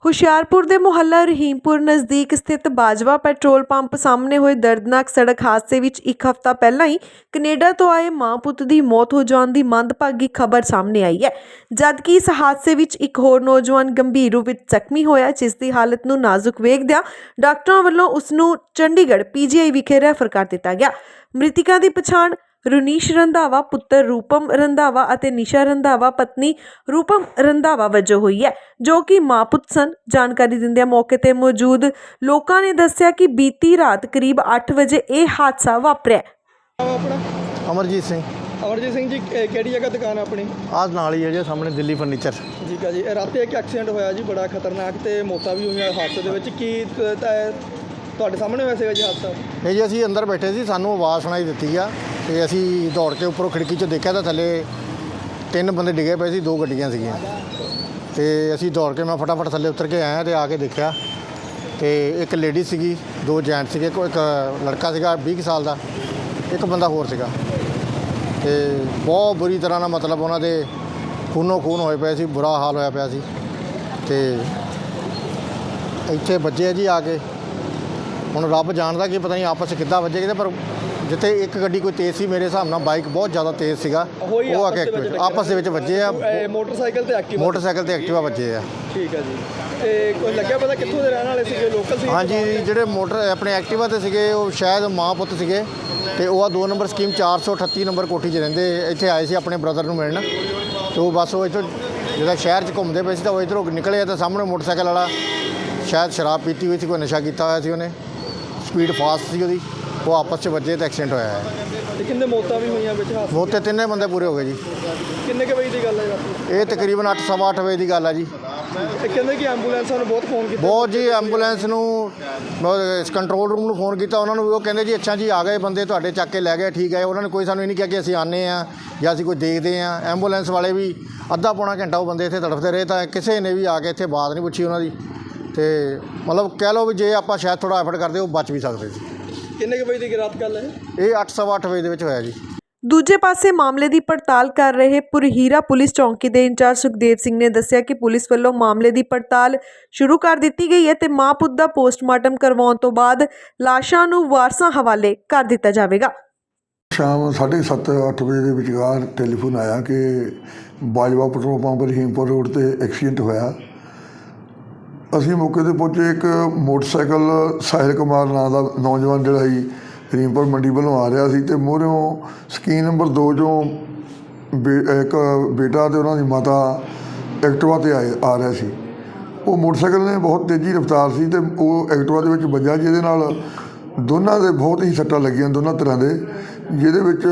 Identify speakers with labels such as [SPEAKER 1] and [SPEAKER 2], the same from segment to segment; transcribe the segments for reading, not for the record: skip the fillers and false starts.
[SPEAKER 1] ਹੁਸ਼ਿਆਰਪੁਰ ਦੇ ਮੁਹੱਲਾ ਰਹੀਮਪੁਰ ਨਜ਼ਦੀਕ ਸਥਿਤ ਬਾਜਵਾ ਪੈਟਰੋਲ ਪੰਪ ਸਾਹਮਣੇ ਹੋਏ ਦਰਦਨਾਕ ਸੜਕ ਹਾਦਸੇ ਵਿੱਚ ਇੱਕ ਹਫ਼ਤਾ ਪਹਿਲਾਂ ਹੀ ਕੈਨੇਡਾ ਤੋਂ ਆਏ ਮਾਂ ਪੁੱਤ ਦੀ ਮੌਤ ਹੋ ਜਾਣ ਦੀ ਮੰਦਭਾਗੀ ਖਬਰ ਸਾਹਮਣੇ ਆਈ ਹੈ। ਜਦਕਿ ਇਸ ਹਾਦਸੇ ਵਿੱਚ ਇੱਕ ਹੋਰ ਨੌਜਵਾਨ ਗੰਭੀਰ ਰੂਪ ਵਿੱਚ ਜ਼ਖਮੀ ਹੋਇਆ, ਜਿਸ ਦੀ ਹਾਲਤ ਨੂੰ ਨਾਜ਼ੁਕ ਵੇਖਦਿਆਂ ਡਾਕਟਰਾਂ ਵੱਲੋਂ ਉਸ ਨੂੰ ਚੰਡੀਗੜ੍ਹ PGI ਵਿਖੇ ਰੈਫਰ ਕਰ ਦਿੱਤਾ ਗਿਆ। ਮ੍ਰਿਤਕਾਂ ਦੀ ਪਛਾਣ ਰੁਨੀਸ਼ ਰੰਧਾਵਾ ਪੁੱਤਰ ਰੂਪਮ ਰੰਧਾਵਾ ਅਤੇ ਨਿਸ਼ਾ ਰੰਧਾਵਾ ਪਤਨੀ ਰੂਪਮ ਰੰਧਾਵਾ ਵਜੋਂ ਹੋਈ ਹੈ, ਜੋ ਕਿ ਮਾਂ ਪੁੱਤ ਸਨ। ਜਾਣਕਾਰੀ ਦਿੰਦਿਆਂ ਮੌਕੇ ਤੇ ਮੌਜੂਦ ਲੋਕਾਂ ਨੇ ਦੱਸਿਆ ਕਿ ਬੀਤੀ ਰਾਤ ਕਰੀਬ 8 ਵਜੇ ਇਹ ਹਾਦਸਾ ਵਾਪਰਿਆ।
[SPEAKER 2] ਅਮਰਜੀਤ ਸਿੰਘ
[SPEAKER 3] ਜੀ ਕਿਹੜੀ ਜਗ੍ਹਾ ਦੁਕਾਨ ਆਪਣੀ?
[SPEAKER 2] ਆਹ ਨਾਲ ਹੀ ਹੈ ਜੀ ਸਾਹਮਣੇ ਦਿੱਲੀ ਫਰਨੀਚਰ।
[SPEAKER 3] ਠੀਕ ਹੈ ਜੀ। ਰਾਤੀ ਇੱਕ ਐਕਸੀਡੈਂਟ ਹੋਇਆ ਜੀ, ਬੜਾ ਖਤਰਨਾਕ, ਤੇ ਮੌਤਾਂ ਵੀ ਹੋਈਆਂ ਹਾਦਸੇ ਦੇ ਵਿੱਚ। ਕੀ ਤੁਹਾਡੇ ਸਾਹਮਣੇ ਹੋਇਆ ਸੀਗਾ ਜੀ ਹਾਦਸਾ?
[SPEAKER 2] ਨਹੀਂ ਜੀ, ਅਸੀਂ ਅੰਦਰ ਬੈਠੇ ਸੀ, ਸਾਨੂੰ ਆਵਾਜ਼ ਸੁਣਾਈ ਦਿੱਤੀ ਆ ਤੇ ਅਸੀਂ ਦੌੜ ਕੇ ਉੱਪਰੋਂ ਖਿੜਕੀ 'ਚੋਂ ਦੇਖਿਆ ਤਾਂ ਥੱਲੇ 3 ਬੰਦੇ ਡਿੱਗੇ ਪਏ ਸੀ, 2 ਗੱਡੀਆਂ ਸੀਗੀਆਂ ਤੇ ਅਸੀਂ ਦੌੜ ਕੇ ਮੈਂ ਫਟਾਫਟ ਥੱਲੇ ਉਤਰ ਕੇ ਆਇਆ ਤੇ ਆ ਕੇ ਦੇਖਿਆ ਤੇ ਇੱਕ ਲੇਡੀ ਸੀਗੀ, 2 ਜੈਂਟ ਸੀਗੇ, ਇੱਕ ਲੜਕਾ ਸੀਗਾ 20 ਸਾਲ ਦਾ, ਇੱਕ ਬੰਦਾ ਹੋਰ ਸੀਗਾ ਤੇ ਬਹੁਤ ਬੁਰੀ ਤਰ੍ਹਾਂ ਨਾਲ ਮਤਲਬ ਉਹਨਾਂ ਦੇ ਖੂਨੋ ਖੂਨ ਹੋਏ ਪਏ ਸੀ, ਬੁਰਾ ਹਾਲ ਹੋਇਆ ਪਿਆ ਸੀ ਤੇ ਇੱਥੇ ਵੱਜੇ ਜੀ ਆ ਕੇ। ਹੁਣ ਰੱਬ ਜਾਣਦਾ ਕਿ ਪਤਾ ਨਹੀਂ ਆਪਸ 'ਚ ਕਿੱਦਾਂ ਵੱਜੇ ਕਿਤੇ, ਪਰ ਜਿੱਥੇ ਇੱਕ ਗੱਡੀ ਕੋਈ ਤੇਜ਼ ਸੀ, ਮੇਰੇ ਹਿਸਾਬ ਨਾਲ ਬਾਈਕ ਬਹੁਤ ਜ਼ਿਆਦਾ ਤੇਜ਼ ਸੀਗਾ, ਉਹ ਆ ਕੇ ਆਪਸ ਦੇ ਵਿੱਚ ਵੱਜੇ ਆ।
[SPEAKER 3] ਮੋਟਰਸਾਈਕਲ ਤੇ ਐਕਟਿਵਾ
[SPEAKER 2] ਵੱਜੇ ਆ।
[SPEAKER 3] ਠੀਕ ਹੈ ਜੀ। ਤੇ ਕੋਈ ਲੱਗਿਆ ਪਤਾ ਕਿੱਥੋਂ ਦੇ ਰਹਿਣ ਵਾਲੇ ਸੀਗੇ? ਲੋਕਲ ਸੀ?
[SPEAKER 2] ਹਾਂਜੀ, ਜਿਹੜੇ ਆਪਣੇ ਐਕਟਿਵਾ 'ਤੇ ਸੀਗੇ ਉਹ ਸ਼ਾਇਦ ਮਾਂ ਪੁੱਤ ਸੀਗੇ ਤੇ ਉਹ 2 ਨੰਬਰ ਸਕੀਮ 438 ਨੰਬਰ ਕੋਠੀ 'ਚ ਰਹਿੰਦੇ, ਇੱਥੇ ਆਏ ਸੀ ਆਪਣੇ ਬ੍ਰਦਰ ਨੂੰ ਮਿਲਣ ਤੇ ਉਹ ਬਸ ਉਹ ਇੱਥੋਂ ਜਿਹੜਾ ਸ਼ਹਿਰ 'ਚ ਘੁੰਮਦੇ ਪਏ ਸੀ ਤਾਂ ਉਹ ਇੱਧਰੋਂ ਨਿਕਲੇ ਤਾਂ ਸਾਹਮਣੇ ਮੋਟਰਸਾਈਕਲ ਵਾਲਾ ਸ਼ਾਇਦ ਸ਼ਰਾਬ ਪੀਤੀ ਹੋਈ ਸੀ, ਕੋਈ ਨਸ਼ਾ ਕੀਤਾ ਹੋਇਆ ਸੀ, ਉਹਨੇ ਸਪੀਡ ਫਾਸਟ ਸੀ ਉਹਦੀ, ਉਹ ਆਪਸ 'ਚ ਵੱਜੇ ਤਾਂ ਐਕਸੀਡੈਂਟ ਹੋਇਆ ਹੈ।
[SPEAKER 3] ਤੇ ਕਿੰਨੇ ਮੌਤਾਂ ਵੀ ਹੋਈਆਂ ਵਿੱਚ ਹਾਦਸੇ?
[SPEAKER 2] ਮੌਤ ਤੇ 3 ਬੰਦੇ ਪੂਰੇ ਹੋ ਗਏ ਜੀ।
[SPEAKER 3] ਕਿੰਨੇ ਕੁ ਵਜੇ ਦੀ ਗੱਲ ਹੈ ਰਾਤੀ?
[SPEAKER 2] ਇਹ ਤਕਰੀਬਨ 8 ਸਵਾ 8 ਵਜੇ ਦੀ ਗੱਲ ਹੈ ਜੀ।
[SPEAKER 3] ਤੇ ਕਹਿੰਦੇ ਕਿ ਐਂਬੂਲੈਂਸਾਂ ਨੂੰ ਬਹੁਤ ਫੋਨ ਕੀਤਾ?
[SPEAKER 2] ਬਹੁਤ ਜੀ, ਐਂਬੂਲੈਂਸ ਨੂੰ ਕੰਟਰੋਲ ਰੂਮ ਨੂੰ ਫੋਨ ਕੀਤਾ, ਉਹਨਾਂ ਨੂੰ ਉਹ ਕਹਿੰਦੇ ਜੀ ਅੱਛਾ ਜੀ ਆ ਗਏ ਬੰਦੇ, ਤੁਹਾਡੇ ਚੱਕ ਕੇ ਲੈ ਗਏ, ਠੀਕ ਹੈ। ਉਹਨਾਂ ਨੇ ਕੋਈ ਸਾਨੂੰ ਇਹ ਨਹੀਂ ਕਿਹਾ ਕਿ ਅਸੀਂ ਆਉਂਦੇ ਹਾਂ ਜਾਂ ਅਸੀਂ ਕੋਈ ਦੇਖਦੇ ਹਾਂ। ਐਂਬੂਲੈਂਸ ਵਾਲੇ ਵੀ ਅੱਧਾ ਪੌਣਾ ਘੰਟਾ ਉਹ ਬੰਦੇ ਇੱਥੇ ਤੜਫਦੇ ਰਹੇ ਤਾਂ ਕਿਸੇ ਨੇ ਵੀ ਆ ਕੇ ਇੱਥੇ ਬਾਤ ਨਹੀਂ ਪੁੱਛੀ ਉਹਨਾਂ ਦੀ। ਤੇ ਮਤਲਬ ਕਹਿ ਲਓ ਵੀ ਜੇ ਆਪਾਂ ਸ਼ਾਇਦ ਥੋੜ੍ਹਾ ਐਫਰਟ ਕਰਦੇ ਉਹ ਬਚ ਵੀ ਸਕਦੇ ਸੀ।
[SPEAKER 3] ਕਿੰਨੇ ਕੁ ਵਜੇ ਦੀ ਰਾਤ ਗੱਲ ਹੈ?
[SPEAKER 2] ਇਹ 8 ਸਵਾ 8 ਵਜੇ ਦੇ ਵਿੱਚ ਹੋਇਆ ਜੀ।
[SPEAKER 1] ਦੂਜੇ ਪਾਸੇ ਮਾਮਲੇ ਦੀ ਪੜਤਾਲ ਕਰ ਰਹੇ ਪੁਰਹੀਰਾ ਪੁਲਿਸ ਚੌਂਕੀ ਦੇ ਇੰਚਾਰਜ ਸੁਖਦੇਵ ਸਿੰਘ ਨੇ ਦੱਸਿਆ ਕਿ ਪੁਲਿਸ ਵੱਲੋਂ ਮਾਮਲੇ ਦੀ ਪੜਤਾਲ ਸ਼ੁਰੂ ਕਰ ਦਿੱਤੀ ਗਈ ਹੈ ਤੇ ਮਾਂ ਪੁੱਤ ਦਾ ਪੋਸਟਮਾਰਟਮ ਕਰਵਾਉਣ ਤੋਂ ਬਾਅਦ ਲਾਸ਼ਾਂ ਨੂੰ ਵਾਰਸਾਂ ਹਵਾਲੇ ਕਰ ਦਿੱਤਾ ਜਾਵੇਗਾ।
[SPEAKER 4] ਸ਼ਾਮ 7:30-8 ਵਜੇ ਦੇ ਵਿਚਕਾਰ ਟੈਲੀਫੋਨ ਆਇਆ ਕਿ Bajwa petrol pump Rahimpur road ਤੇ ਐਕਸੀਡੈਂਟ ਹੋਇਆ। ਅਸੀਂ ਮੌਕੇ ਤੇ ਪਹੁੰਚੇ। ਇੱਕ ਮੋਟਰਸਾਈਕਲ ਸਾਹਿਲ ਕੁਮਾਰ ਨਾਂ ਦਾ ਨੌਜਵਾਨ ਜਿਹੜਾ ਸੀ ਰਹੀਮਪੁਰ ਮੰਡੀ ਵੱਲੋਂ ਆ ਰਿਹਾ ਸੀ ਤੇ ਮੂਹਰਿਓਂ ਸਕੀਮ ਨੰਬਰ 2 ਚੋਂ ਇੱਕ ਬੇਟਾ ਤੇ ਉਹਨਾਂ ਦੀ ਮਾਤਾ ਐਕਟਿਵਾ 'ਤੇ ਆ ਰਿਹਾ ਸੀ। ਉਹ ਮੋਟਰਸਾਈਕਲ ਨੇ ਬਹੁਤ ਤੇਜ਼ੀ ਰਫ਼ਤਾਰ ਸੀ ਤੇ ਉਹ ਐਕਟਿਵਾ ਦੇ ਵਿੱਚ ਵੱਜਾ, ਜਿਹਦੇ ਨਾਲ ਦੋਨਾਂ ਦੇ ਬਹੁਤ ਹੀ ਸੱਟਾਂ ਲੱਗੀਆਂ, ਦੋਨਾਂ ਤਰ੍ਹਾਂ ਦੇ। ਜਿਹਦੇ ਵਿੱਚ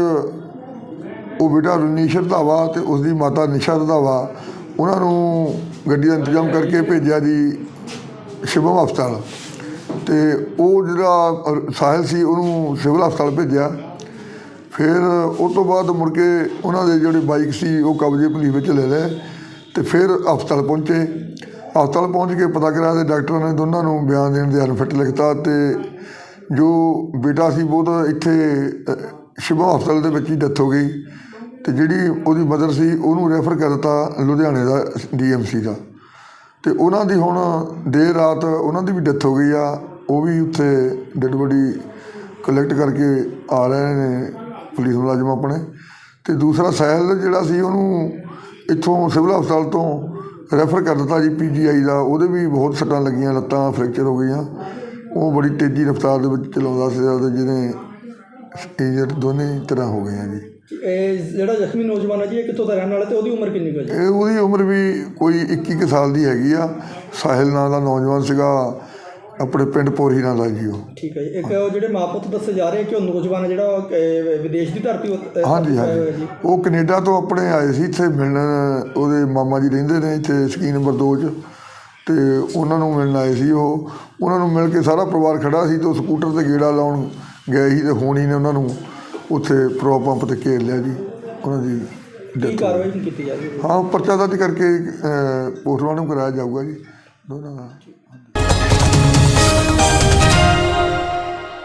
[SPEAKER 4] ਉਹ ਬੇਟਾ ਰੁਨੀਸ਼ ਰੰਧਾਵਾ ਤੇ ਉਸਦੀ ਮਾਤਾ ਨਿਸ਼ਾ ਰੰਧਾਵਾ, ਉਹਨਾਂ ਨੂੰ ਗੱਡੀ ਦਾ ਇੰਤਜ਼ਾਮ ਕਰਕੇ ਭੇਜਿਆ ਜੀ ਸ਼ਿਵਮ ਹਸਪਤਾਲ ਤੇ ਉਹ ਜਿਹੜਾ ਸਾਹਿਲ ਸੀ ਉਹਨੂੰ ਸਿਵਲ ਹਸਪਤਾਲ ਭੇਜਿਆ। ਫਿਰ ਉਹ ਤੋਂ ਬਾਅਦ ਮੁੜ ਕੇ ਉਹਨਾਂ ਦੇ ਜਿਹੜੇ ਬਾਈਕ ਸੀ ਉਹ ਕਬਜ਼ੇ ਪੁਲਿਸ ਵਿੱਚ ਲੈ ਲਏ ਤੇ ਫਿਰ ਹਸਪਤਾਲ ਪਹੁੰਚੇ। ਹਸਪਤਾਲ ਪਹੁੰਚ ਕੇ ਪਤਾ ਕਰਿਆ ਤੇ ਡਾਕਟਰਾਂ ਨੇ ਦੋਨਾਂ ਨੂੰ ਬਿਆਨ ਦੇਣ ਦੇ ਅਨਫਿਟ ਲਿਖਤਾ ਤੇ ਜੋ ਬੇਟਾ ਸੀ ਬਹੁਤ ਇੱਥੇ ਸ਼ਿਵਮ ਹਸਪਤਾਲ ਦੇ ਵਿੱਚ ਹੀ ਡੈਥ ਹੋ ਗਈ ਤੇ ਜਿਹੜੀ ਉਹਦੀ ਮਦਰ ਸੀ ਉਹਨੂੰ ਰੈਫਰ ਕਰ ਦਿੱਤਾ ਲੁਧਿਆਣੇ ਦਾ DMC ਦਾ। ਤੇ ਉਹਨਾਂ ਦੀ ਹੁਣ ਦੇਰ ਰਾਤ ਉਹਨਾਂ ਦੀ ਵੀ ਡੈਥ ਹੋ ਗਈ ਆ, ਉਹ ਵੀ ਉੱਥੇ ਡੈਡ ਬੋਡੀ ਕਲੈਕਟ ਕਰਕੇ ਆ ਰਹੇ ਨੇ ਪੁਲਿਸ ਮੁਲਾਜ਼ਮ ਆਪਣੇ। ਤੇ ਦੂਸਰਾ ਸਾਹਿਲ ਜਿਹੜਾ ਸੀ ਉਹਨੂੰ ਇੱਥੋਂ ਸਿਵਲ ਹਸਪਤਾਲ ਤੋਂ ਰੈਫਰ ਕਰ ਦਿੱਤਾ ਜੀ PGI ਦਾ। ਉਹਦੇ ਵੀ ਬਹੁਤ ਸੱਟਾਂ ਲੱਗੀਆਂ, ਲੱਤਾਂ ਫ੍ਰੈਕਚਰ ਹੋ ਗਈਆਂ। ਉਹ ਬੜੀ ਤੇਜ਼ੀ ਰਫ਼ਤਾਰ ਦੇ ਵਿੱਚ ਚਲਾਉਂਦਾ ਸੀਗਾ ਤੇ ਜਿਹਨੇ ਇੰਜਰਡ ਦੋਨੇ ਤਰ੍ਹਾਂ ਹੋ ਗਏ ਆ ਜੀ।
[SPEAKER 3] ਇਹ ਜਿਹੜਾ ਜ਼ਖਮੀ ਨੌਜਵਾਨ ਹੈ ਜੀ, ਇਹ ਕਿੱਥੋਂ ਦਾ ਰਹਿਣ ਵਾਲਾ ਤੇ ਉਹਦੀ ਉਮਰ ਕਿੰਨੀ ਹੈ ਜੀ?
[SPEAKER 4] ਇਹ ਉਹਦੀ ਉਮਰ ਵੀ ਕੋਈ 21 ਸਾਲ ਦੀ ਹੈਗੀ ਆ। ਸਾਹਿਲ ਨਾਂ ਦਾ ਨੌਜਵਾਨ ਸੀਗਾ, ਆਪਣੇ ਪਿੰਡ ਪੁਰਹੀਰਾ ਦਾ ਜੀ ਉਹ। ਠੀਕ
[SPEAKER 3] ਹੈ ਜੀ। ਇੱਕ ਜਿਹੜੇ ਮਾਂ ਪੁੱਤ ਦੱਸੇ ਜਾ ਰਹੇ ਕਿ ਉਹ ਨੌਜਵਾਨ ਜਿਹੜਾ ਵਿਦੇਸ਼ ਦੀ ਧਰਤੀ
[SPEAKER 4] ਹਾਂਜੀ ਉਹ ਕੈਨੇਡਾ ਤੋਂ ਆਪਣੇ ਆਏ ਸੀ ਇੱਥੇ ਮਿਲਣ। ਉਹਦੇ ਮਾਮਾ ਜੀ ਰਹਿੰਦੇ ਨੇ ਇੱਥੇ ਸਕੀਮ ਨੰਬਰ 2 'ਚ ਤੇ ਉਹਨਾਂ ਨੂੰ ਮਿਲਣ ਆਏ ਸੀ। ਉਹ ਉਹਨਾਂ ਨੂੰ ਮਿਲ ਕੇ ਸਾਰਾ ਪਰਿਵਾਰ ਖੜ੍ਹਾ ਸੀ ਤੇ ਉਹ ਸਕੂਟਰ 'ਤੇ ਗੇੜਾ ਲਾਉਣ ਗਏ ਸੀ ਤੇ ਹੁਣ ਹੀ ਨੇ ਉਹਨਾਂ ਨੂੰ ਉੱਥੇ ਪੈਟਰੋਲ ਪੰਪ 'ਤੇ ਘੇਰ ਲਿਆ ਜੀ। ਉਹਨਾਂ ਦੀ
[SPEAKER 3] ਕਾਰਵਾਈ ਕੀਤੀ ਜਾਵੇ?
[SPEAKER 4] ਹਾਂ, ਪਰਚਾ ਦਰਜ ਕਰਕੇ ਪੋਸਟਮਾਰਟਮ ਕਰਾਇਆ ਜਾਊਗਾ ਜੀ ਦੋਨਾਂ ਦਾ।